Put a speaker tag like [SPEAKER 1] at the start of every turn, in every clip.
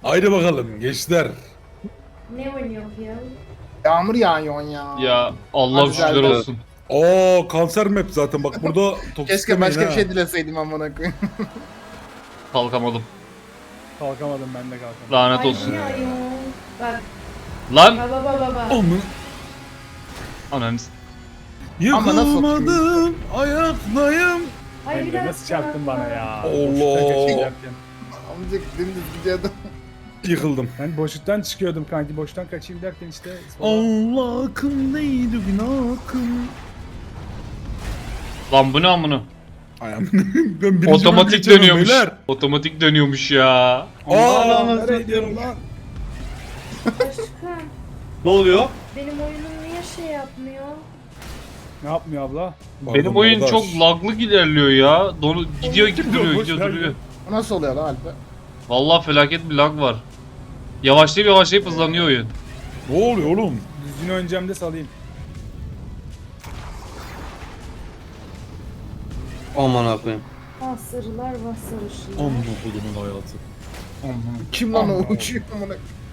[SPEAKER 1] Haydi bakalım gençler.
[SPEAKER 2] Ne oynuyor ya?
[SPEAKER 3] Yağmur yağıyor ya.
[SPEAKER 4] Ya Allah
[SPEAKER 3] Hadi
[SPEAKER 4] şükürler
[SPEAKER 3] güzel.
[SPEAKER 4] olsun.
[SPEAKER 1] Oo kanser map zaten bak burada toksik
[SPEAKER 3] Keşke
[SPEAKER 1] demeyin
[SPEAKER 3] başka bir
[SPEAKER 1] ha.
[SPEAKER 3] şey dileseydim amına koyayım.
[SPEAKER 4] Kalkamadım.
[SPEAKER 5] Kalkamadım ben de kalkamadım.
[SPEAKER 4] Lanet
[SPEAKER 2] Ay
[SPEAKER 4] olsun.
[SPEAKER 2] ne ayol. Bak
[SPEAKER 4] Lan!
[SPEAKER 2] baba.
[SPEAKER 1] Onu
[SPEAKER 4] Ananı
[SPEAKER 3] Ama nasıl
[SPEAKER 1] yıkılmadım ayaktayım.
[SPEAKER 2] Ay
[SPEAKER 5] Emre
[SPEAKER 2] biraz
[SPEAKER 5] nasıl çarptın bana ya?
[SPEAKER 1] Allah.
[SPEAKER 5] Boşluktan kaçayım.
[SPEAKER 3] Amcık dümdüz gidiyordum.
[SPEAKER 1] Yıkıldım.
[SPEAKER 5] Ben boşluktan çıkıyordum kanki. Boştan kaçayım derken işte.
[SPEAKER 1] Allah akım neydi günahım.
[SPEAKER 4] Lan bu ne amına?
[SPEAKER 1] Ayağım. Ben birinci
[SPEAKER 4] Otomatik
[SPEAKER 1] bölüm geçemem
[SPEAKER 4] dönüyormuş.
[SPEAKER 1] beyler.
[SPEAKER 4] Otomatik dönüyormuş ya.
[SPEAKER 1] Aa,
[SPEAKER 5] nereye gidiyorum lan?
[SPEAKER 2] aşkım.
[SPEAKER 6] Ne oluyor?
[SPEAKER 2] Benim oyunum niye şey yapmıyor?
[SPEAKER 5] Ne yapmıyor abla?
[SPEAKER 4] Benim
[SPEAKER 1] Pardon
[SPEAKER 4] oyun
[SPEAKER 1] kardeş.
[SPEAKER 4] çok laglı ilerliyor ya. Gidiyor gibi duruyor,
[SPEAKER 5] boş
[SPEAKER 4] gidiyor
[SPEAKER 5] ver
[SPEAKER 4] duruyor.
[SPEAKER 3] Bu nasıl oluyor lan Alper?
[SPEAKER 4] Vallahi felaket bir lag var. Yavaşlayıp hızlanıyor oyun.
[SPEAKER 1] Ne oluyor oğlum?
[SPEAKER 5] Düzgün oynayacağım de salayım.
[SPEAKER 6] Aman akıyım.
[SPEAKER 2] Asırlar basırışlar.
[SPEAKER 1] Amına kodumun hayatı.
[SPEAKER 3] Kim lan o
[SPEAKER 5] Allah
[SPEAKER 3] uçuyor amına?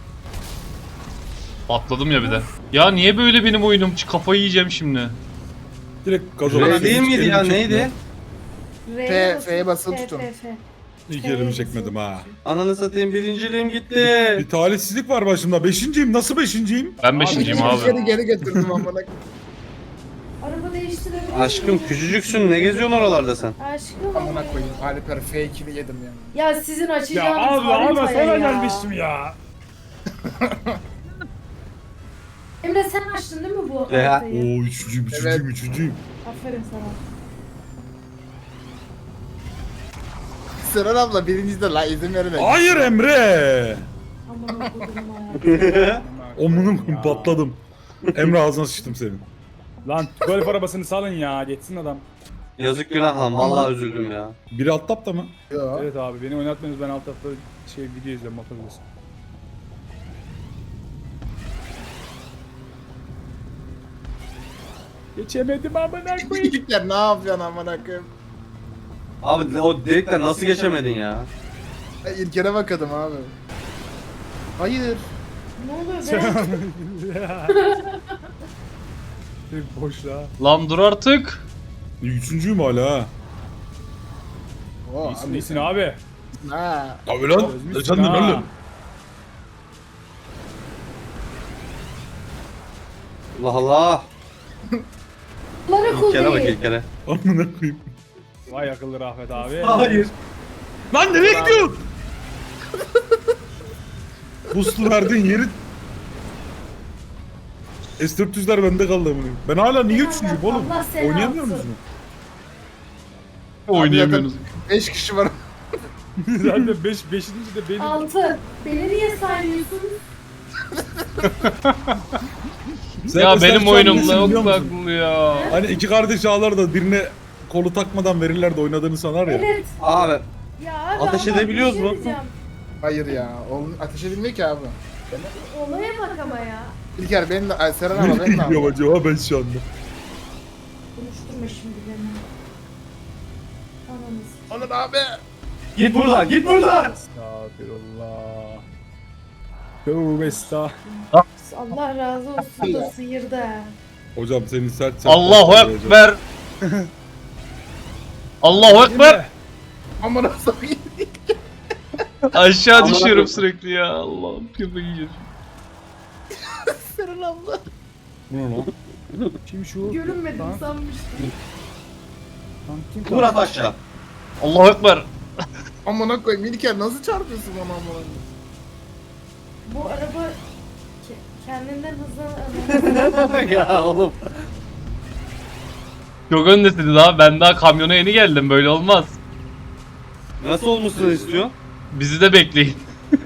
[SPEAKER 4] Patladım ya bir de. Ya niye böyle benim oyunum? Kafayı yiyeceğim şimdi.
[SPEAKER 1] Direkt gaza
[SPEAKER 6] Öyle
[SPEAKER 1] basıyorum.
[SPEAKER 6] değil
[SPEAKER 1] Hiç
[SPEAKER 6] miydi
[SPEAKER 1] elimi
[SPEAKER 6] ya
[SPEAKER 1] çekmiyor.
[SPEAKER 6] neydi?
[SPEAKER 3] F'ye basılı tutun.
[SPEAKER 1] İlk elimi çekmedim ha.
[SPEAKER 6] Ananı satayım birinciliğim gitti.
[SPEAKER 1] Bir talihsizlik var başımda. Beşinciyim. Nasıl beşinciyim?
[SPEAKER 4] Ben beşinciyim abi.
[SPEAKER 3] Geri götürdüm amına koyayım.
[SPEAKER 2] Araba değiştirebilir miyim?
[SPEAKER 6] Aşkım küçücüksün ne geziyorsun oralara sen?
[SPEAKER 2] Aşkım.
[SPEAKER 3] Amına koyayım. Alper F2'ni yedim ya.
[SPEAKER 2] Ya sizin
[SPEAKER 5] Ya
[SPEAKER 2] açacağınız
[SPEAKER 5] abla
[SPEAKER 2] haritaya
[SPEAKER 5] sana
[SPEAKER 2] ya.
[SPEAKER 5] gelmiştim ya.
[SPEAKER 2] Emre sen açtın değil mi bu
[SPEAKER 6] Ya.
[SPEAKER 2] haritayı?
[SPEAKER 1] Oo üçüncüyüm,
[SPEAKER 3] Evet.
[SPEAKER 1] üçüncüyüm.
[SPEAKER 2] Aferin sana.
[SPEAKER 3] Sıran abla birinci de la izin verin.
[SPEAKER 1] Hayır Emre.
[SPEAKER 2] Aman okudum hayatım.
[SPEAKER 1] Omunum patladım. Emre ağzına sıçtım senin.
[SPEAKER 5] Lan golf arabasını salın ya. Geçsin adam.
[SPEAKER 6] Yazık günah lan vallahi üzüldüm ya.
[SPEAKER 1] Biri alt tapta mı?
[SPEAKER 3] Yo.
[SPEAKER 5] Evet abi beni oynatmıyorsunuz ben alt tarafta video izliyorum motor videosu. Geçemedim amına koyayım.
[SPEAKER 3] Çocuklar ne yapıyorsun amına koyayım?
[SPEAKER 6] Abi o delikten nasıl geçemedin ya?
[SPEAKER 3] İlker'e bakadım abi. Hayır.
[SPEAKER 2] Ne oluyor be?
[SPEAKER 5] Bir boşluğa.
[SPEAKER 4] Lan dur artık.
[SPEAKER 1] Üçüncüyüm hala ha.
[SPEAKER 3] Oo,
[SPEAKER 5] İyisin iyisin abi.
[SPEAKER 3] Ha.
[SPEAKER 1] Tabii lan.
[SPEAKER 5] Özmüşsün
[SPEAKER 1] Sen de
[SPEAKER 5] ha.
[SPEAKER 1] oğlum.
[SPEAKER 6] Allah Allah.
[SPEAKER 2] Lara
[SPEAKER 6] İlkere bak
[SPEAKER 2] kullayı.
[SPEAKER 6] ilkere.
[SPEAKER 1] Amına koyayım.
[SPEAKER 5] Vay akıllı Rafet abi.
[SPEAKER 6] Hayır.
[SPEAKER 1] Lan nereye gidiyorsun? Boost'u verdiğin yeri... S400'ler bende kaldı amına. Ben hala niye üçüncüyüm oğlum?
[SPEAKER 2] Allah seni
[SPEAKER 1] Oynayamıyor
[SPEAKER 2] alsın.
[SPEAKER 1] musun?
[SPEAKER 4] Oynayamıyorsunuz.
[SPEAKER 3] 5 kişi var.
[SPEAKER 5] Zaten 5. de benim.
[SPEAKER 2] 6. Beni niye saymıyorsunuz?
[SPEAKER 4] Ya benim
[SPEAKER 1] sen
[SPEAKER 4] oyunumda
[SPEAKER 1] biliyor
[SPEAKER 4] yok
[SPEAKER 1] musun?
[SPEAKER 4] laglı ya.
[SPEAKER 1] Hani iki kardeş ağlar da birine kolu takmadan verirler de oynadığını sanar ya.
[SPEAKER 2] Evet.
[SPEAKER 6] Abi
[SPEAKER 2] Ya abi
[SPEAKER 6] Ateş
[SPEAKER 2] ama
[SPEAKER 6] edebiliyoruz
[SPEAKER 2] bir şey
[SPEAKER 6] mu?
[SPEAKER 2] diyeceğim.
[SPEAKER 3] Hayır ya. Oğlum ateş edilmiyor ki abi.
[SPEAKER 2] Olaya bak ama ya.
[SPEAKER 3] İlker benim de ay, Seren ama benim de
[SPEAKER 1] Nereye gidiyorum
[SPEAKER 3] abi.
[SPEAKER 1] acaba ben şu anda?
[SPEAKER 2] Konuşturma şimdi beni. Ananız.
[SPEAKER 3] Onur abi.
[SPEAKER 6] git buradan git buradan.
[SPEAKER 5] Estağfirullah. Tövbe estağfirullah.
[SPEAKER 2] Allah razı olsun da sıyırdı ha.
[SPEAKER 1] Hocam senin sert
[SPEAKER 4] Allahu Ekber. Allahu Ekber.
[SPEAKER 3] Amına koyayım.
[SPEAKER 4] Aşağı
[SPEAKER 6] Aman
[SPEAKER 4] düşüyorum
[SPEAKER 6] Allah'ım.
[SPEAKER 4] sürekli ya. Allah'ım kafayı yiyeceğim.
[SPEAKER 3] Seren abla.
[SPEAKER 1] Bu ne lan?
[SPEAKER 5] Kim şu?
[SPEAKER 2] Görünmedim
[SPEAKER 5] Tank-
[SPEAKER 2] sanmıştım.
[SPEAKER 5] tank kim?
[SPEAKER 6] Murat aşağı.
[SPEAKER 4] Allahu Ekber.
[SPEAKER 3] Amına koyayım İlker nasıl çarpıyorsun bana amına koyayım?
[SPEAKER 2] Bu araba kendinden hızlı.
[SPEAKER 6] Ya oğlum.
[SPEAKER 4] Çok öndesiniz abi. Ben daha kamyona yeni geldim. Böyle olmaz.
[SPEAKER 6] Nasıl olmasını istiyor?
[SPEAKER 4] Bizi de bekleyin.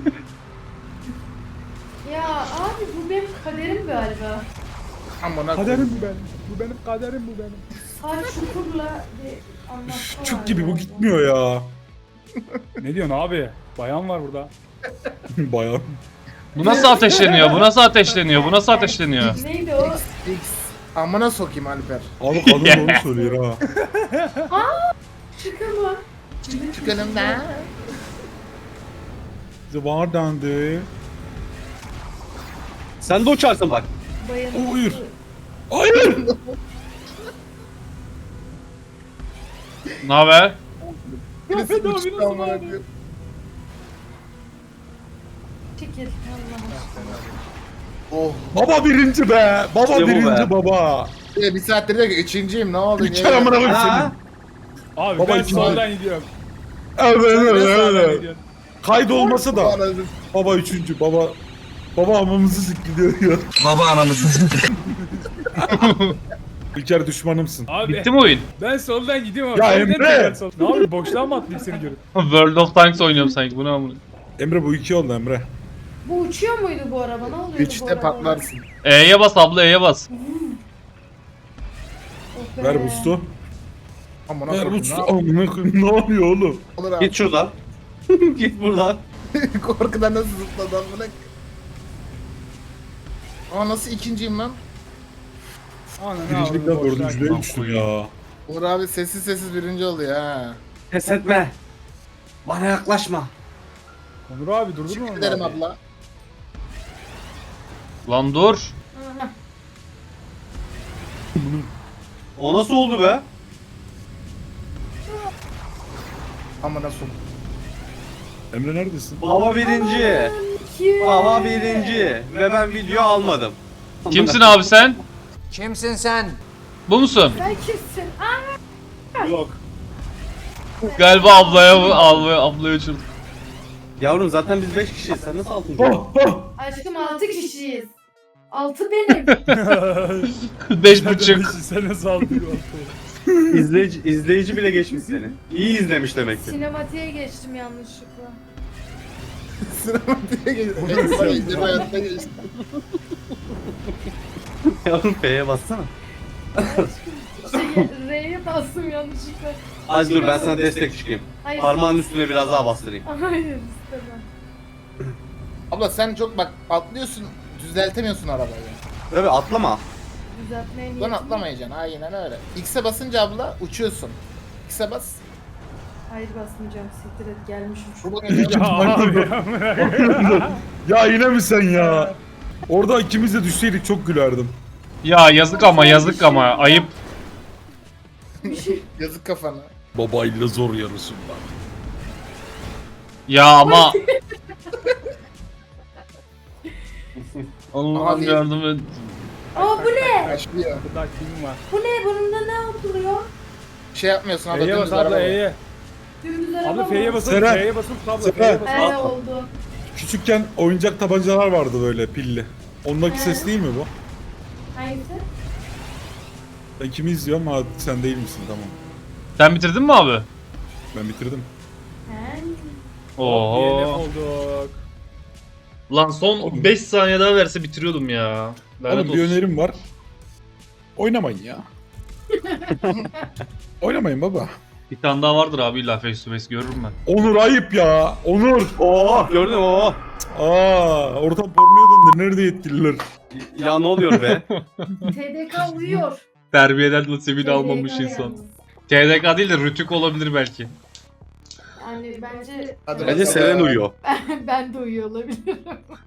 [SPEAKER 2] Ya abi bu benim kaderim galiba.
[SPEAKER 3] Amına
[SPEAKER 5] Kaderim
[SPEAKER 3] koyayım.
[SPEAKER 5] bu benim. Bu benim kaderim bu benim.
[SPEAKER 2] Sağ çukurla bir anlatma var
[SPEAKER 1] Çuk gibi bu
[SPEAKER 2] galiba.
[SPEAKER 1] gitmiyor ya.
[SPEAKER 5] Ne diyorsun abi? Bayan var burada.
[SPEAKER 1] Bayağı.
[SPEAKER 4] Bu nasıl ateşleniyor? Bu nasıl ateşleniyor? Bu nasıl ateşleniyor?
[SPEAKER 2] Neydi o?
[SPEAKER 3] X. Amına sokayım Alper.
[SPEAKER 1] Abi kadın doğru söylüyor ha.
[SPEAKER 2] Çıkama.
[SPEAKER 3] Çık önümden.
[SPEAKER 1] Zıvar döndü.
[SPEAKER 6] Sen de uçarsın bak.
[SPEAKER 2] Bayanın.
[SPEAKER 1] Hayır. Hayır.
[SPEAKER 4] Ne haber?
[SPEAKER 3] Birisi uçtu amına koyayım.
[SPEAKER 2] Çekil. Allah aşkına.
[SPEAKER 3] Oh.
[SPEAKER 1] Baba birinci be. Baba
[SPEAKER 6] İşte bu
[SPEAKER 1] birinci
[SPEAKER 6] be.
[SPEAKER 1] baba.
[SPEAKER 3] Bir saattir diyor ki üçüncüyüm ne oldu?
[SPEAKER 1] İki amına koyayım senin.
[SPEAKER 6] Ha?
[SPEAKER 5] Abi
[SPEAKER 1] Baba
[SPEAKER 5] ben
[SPEAKER 1] ikinci.
[SPEAKER 5] soldan gidiyorum.
[SPEAKER 1] Evet
[SPEAKER 5] Ben
[SPEAKER 1] evet
[SPEAKER 5] sağdan
[SPEAKER 1] evet.
[SPEAKER 5] gidiyorum.
[SPEAKER 1] Kaydı olmasa da. Baba üçüncü baba. Baba hamamızı sikiliyor ya.
[SPEAKER 7] Baba anamızı.
[SPEAKER 1] İlker düşmanımsın.
[SPEAKER 5] Abi
[SPEAKER 4] Bitti mi oyun?
[SPEAKER 5] ben soldan gidiyorum abi.
[SPEAKER 1] Ya
[SPEAKER 5] Sen
[SPEAKER 1] Emre!
[SPEAKER 5] neden sol- Ne yapayım boşluğa mı atlayayım seni görüp?
[SPEAKER 4] World of Tanks oynuyorum sanki. Bu ne amına?
[SPEAKER 1] Emre bu iki oldu Emre.
[SPEAKER 2] Bu uçuyor muydu bu araba? Ne oluyordu bu
[SPEAKER 3] Üçte
[SPEAKER 2] araba?
[SPEAKER 3] patlarsın.
[SPEAKER 4] E'ye bas abla, E'ye bas.
[SPEAKER 2] Oh be.
[SPEAKER 1] Ver bustu.
[SPEAKER 3] Amına
[SPEAKER 1] Ver
[SPEAKER 3] koyayım.
[SPEAKER 1] bustu. Amına koyayım ne oluyor oğlum?
[SPEAKER 3] Olur abi.
[SPEAKER 6] Git şuradan. Git buradan.
[SPEAKER 3] Korkudan nasıl zıpladı amına koyayım. Aa nasıl ikinciyim lan?
[SPEAKER 5] Ana ne
[SPEAKER 1] Birincilikten
[SPEAKER 5] yapayım, boşluğa
[SPEAKER 1] dördüncülüğe
[SPEAKER 5] gittim.
[SPEAKER 1] düştüm ya.
[SPEAKER 3] Uğur abi sessiz sessiz birinci oluyor ha.
[SPEAKER 6] Pes etme. Bana yaklaşma.
[SPEAKER 5] Onur abi durdurma onu
[SPEAKER 3] Gidelim
[SPEAKER 5] abi.
[SPEAKER 3] abla.
[SPEAKER 4] Lan dur.
[SPEAKER 2] Aha.
[SPEAKER 6] O nasıl oldu be?
[SPEAKER 3] Amına sok.
[SPEAKER 1] Emre neredesin?
[SPEAKER 6] Baba birinci.
[SPEAKER 2] Kim?
[SPEAKER 6] Baba birinci. Ve ben video almadım.
[SPEAKER 4] Kimsin abi sen?
[SPEAKER 7] Kimsin sen?
[SPEAKER 4] Bu musun?
[SPEAKER 2] Sen kimsin? Aa,
[SPEAKER 6] Yok.
[SPEAKER 4] Galiba ablaya uçurduk.
[SPEAKER 6] Yavrum zaten biz 5 kişiyiz. Sen nasıl altıncı?
[SPEAKER 1] Oh, oh.
[SPEAKER 2] aşkım 6 kişiyiz. 6 benim.
[SPEAKER 4] 5.5.
[SPEAKER 5] Sen nasıl aldın?
[SPEAKER 6] İzleyici bile geçmiş seni. İyi izlemiş demek ki.
[SPEAKER 2] Sinematiğe geçtim yanlışlıkla.
[SPEAKER 3] Sinematiğe geçtim. Ekstra indirme hayatta geçtim.
[SPEAKER 6] Yavrum F'ye bassana.
[SPEAKER 2] R'ye bastım yanlışlıkla.
[SPEAKER 6] Az dur ben sana destek çıkayım.
[SPEAKER 2] Hayır.
[SPEAKER 6] Parmağın üstüne biraz daha bastırayım.
[SPEAKER 2] Hayır istemem.
[SPEAKER 3] Abla sen çok bak atlıyorsun düzeltemiyorsun arabayı.
[SPEAKER 6] Evet atlama.
[SPEAKER 2] Düzeltmeye
[SPEAKER 3] Lan
[SPEAKER 2] niyetim yok.
[SPEAKER 3] atlamayacaksın aynen öyle. X'e basınca abla uçuyorsun. X'e bas.
[SPEAKER 2] Hayır basmayacağım siktir et gelmişim şu.
[SPEAKER 3] Bu geliyor.
[SPEAKER 5] Ya abi ya.
[SPEAKER 1] Ya yine mi sen ya? Orada ikimiz de düşseydik çok gülerdim.
[SPEAKER 4] Ya yazık ama ayıp.
[SPEAKER 3] Yazık kafana.
[SPEAKER 1] Babayla zor yarısında.
[SPEAKER 4] Ya ama. Allah'ım
[SPEAKER 3] Abi.
[SPEAKER 4] yardım et.
[SPEAKER 2] Aa bu ne?
[SPEAKER 3] Başlıyor.
[SPEAKER 5] Burada kim var?
[SPEAKER 2] Bu ne? Bununla ne yapılıyor?
[SPEAKER 3] Şey yapmıyorsun abla
[SPEAKER 5] F'ye
[SPEAKER 3] dümdüz
[SPEAKER 5] bas abla
[SPEAKER 3] araba.
[SPEAKER 5] E'ye.
[SPEAKER 2] Dümdüz araba
[SPEAKER 5] Abla
[SPEAKER 2] mı?
[SPEAKER 5] F'ye basıp
[SPEAKER 1] Seren.
[SPEAKER 5] F'ye basıp abla
[SPEAKER 1] Seren.
[SPEAKER 5] F'ye basıp.
[SPEAKER 2] He oldu.
[SPEAKER 1] Küçükken oyuncak tabancalar vardı böyle pilli. Ondaki
[SPEAKER 2] He.
[SPEAKER 1] ses değil mi bu?
[SPEAKER 2] Hangisi?
[SPEAKER 1] Ben kimi izliyorum ama sen değil misin tamam.
[SPEAKER 4] Sen bitirdin mi abi?
[SPEAKER 1] Ben bitirdim.
[SPEAKER 2] He.
[SPEAKER 5] DNF
[SPEAKER 4] Oho.
[SPEAKER 5] olduk.
[SPEAKER 4] Lan son 5 saniye daha verse bitiriyordum ya. Lanet
[SPEAKER 1] Oğlum bir
[SPEAKER 4] olsun.
[SPEAKER 1] önerim var. Oynamayın ya. Oynamayın baba.
[SPEAKER 4] Bir tane daha vardır abi illa face to face görürüm ben.
[SPEAKER 1] Onur ayıp ya. Onur.
[SPEAKER 6] Oo gördün mü oo.
[SPEAKER 1] Ortam pornoya döndü. Nerede yetkililer?
[SPEAKER 6] Ya ne oluyor be?
[SPEAKER 2] TDK uyuyor.
[SPEAKER 4] Terbiyeden nasibini
[SPEAKER 2] TDK
[SPEAKER 4] almamış insan.
[SPEAKER 2] yalnız.
[SPEAKER 4] TDK değil de Rütük olabilir belki.
[SPEAKER 2] Yani bence
[SPEAKER 3] Hadi
[SPEAKER 6] Bence Seren uyuyor.
[SPEAKER 2] ben de uyuyor olabilirim.